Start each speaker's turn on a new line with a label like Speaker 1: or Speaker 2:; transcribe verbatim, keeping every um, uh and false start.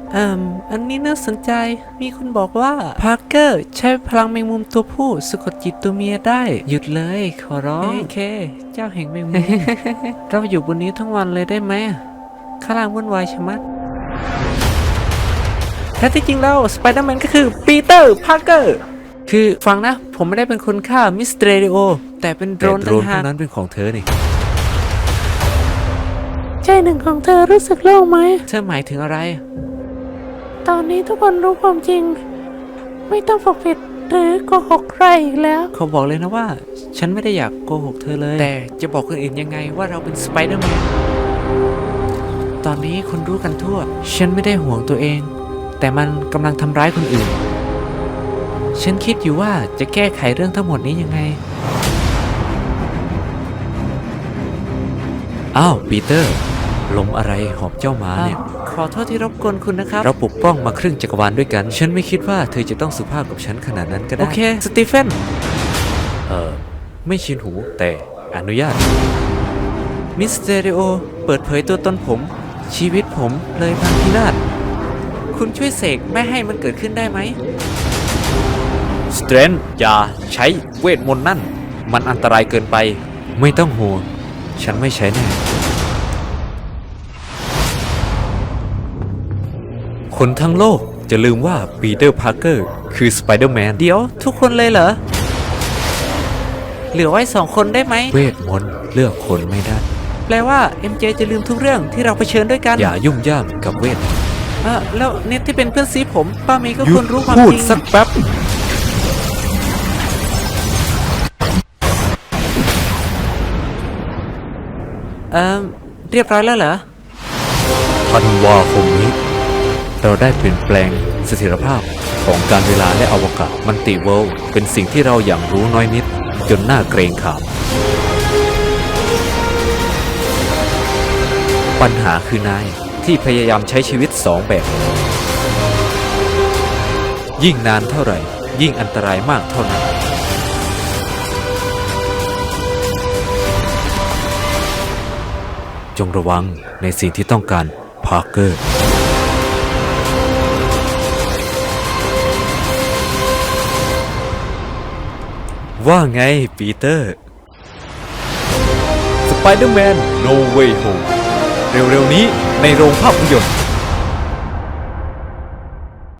Speaker 1: เอ่มอันนี้น่าสนใจมีคนบอกว่าพาร์เกอร์ใช้พลังแมงมุมตัวผู้สะกดจิตตัวเมียได้หยุดเลยขอร้องโอเคเจ้าแห่งแมงมุม เราอยู่บนนี้ทั้งวันเลยได้ไหมข้างล่างวุ่นวายชะมัดแท้ที่จริงแล้วสไปเดอร์แมนก็คือปีเตอร์พาร์เกอร์คือฟังนะผมไม่ได้เป็นคนฆ่ามิสเตอร์เรดิโอแต่เป็นโดรน
Speaker 2: แต่โดรนพวกนั้นเป็นของเธอนี่
Speaker 3: ใจหนึ่งของเธอรู้สึกโล่งไหม
Speaker 1: เธอหมายถึงอะไร
Speaker 3: ตอนนี้ทุกคนรู้ความจริง ไม่ต้องปกปิดหรือโกหกใครอีกแล้ว
Speaker 1: เขาบอกเลยนะว่า ฉันไม่ได้อยากโกหกเธอเลย แต่จะบอกคนอื่นยังไงว่าเราเป็นสไปเดอร์แมนตอนนี้คนรู้กันทั่ว ฉันไม่ได้ห่วงตัวเอง แต่มันกำลังทำร้ายคนอื่น ฉันคิดอยู่ว่าจะแก้ไขเรื่องทั้งหมดนี้ยังไง
Speaker 2: อ้าวปีเตอร์ลมอะไรหอบเจ้ามาเนี่ย
Speaker 1: ขอโทษที่รบกวนคุณนะครับ
Speaker 2: เราปกป้องมาครึ่งจักรวาลด้วยกัน ฉันไม่คิดว่าเธอจะต้องสุภาพกับฉันขนาดนั้นก็ได้
Speaker 1: โอเค สตีเฟน
Speaker 2: เออไม่ชินหูแต่อนุญาต
Speaker 1: มิสเตอริโอ เปิดเผยตัวตนผม ชีวิตผมเลยพังพินาศ คุณช่วยเสกไม่ให้มันเกิดขึ้นได้ไหม
Speaker 2: สเตรนอย่าใช้เวทมนต์นั่น มันอันตรายเกินไป ไม่ต้องห่วง ฉันไม่ใช้แน่ คนทั้งโลกจะลืมว่าปีเตอร์พาร์เกอร์คือสไปเดอร์แมน
Speaker 1: เดี๋ยวทุกคนเลยเหรอ เหลือไว้สองคนได้ไหม
Speaker 2: เวทมนต์เลือกคนไม่ได้
Speaker 1: แปลว่า เอ็ม เจ จะลืมทุกเรื่องที่เราเผชิญด้วยกัน
Speaker 2: อย่ายุ่งย่ามกับเวท
Speaker 1: เออแล้วเน็ตที่เป็นเพื่อนซีผม ป้าเมย์ก็
Speaker 2: หยุ
Speaker 1: คว
Speaker 2: ด
Speaker 1: รรู้ความ
Speaker 2: พู
Speaker 1: จ
Speaker 2: ด
Speaker 1: ริง
Speaker 2: สักแป๊บ
Speaker 1: เออเรียบร้อยแล้วเหรอ
Speaker 2: ธันวาคมนี้ เราได้เปลี่ยนแปลงเสถียรภาพของการเวลาและอวกาศมัลติเวิลด์เป็นสิ่งที่เราอย่างรู้น้อยนิด จนน่าเกรงขาม ปัญหาคือนายที่พยายามใช้ชีวิตสองแบบ ยิ่งนานเท่าไหร่ ยิ่งอันตรายมากเท่านั้น จงระวังในสิ่งที่ต้องการพาร์เกอร์ ว่าไงปีเตอร์ สไปเดอร์แมน No Way Home เร็วๆนี้ในโรงภาพยนตร์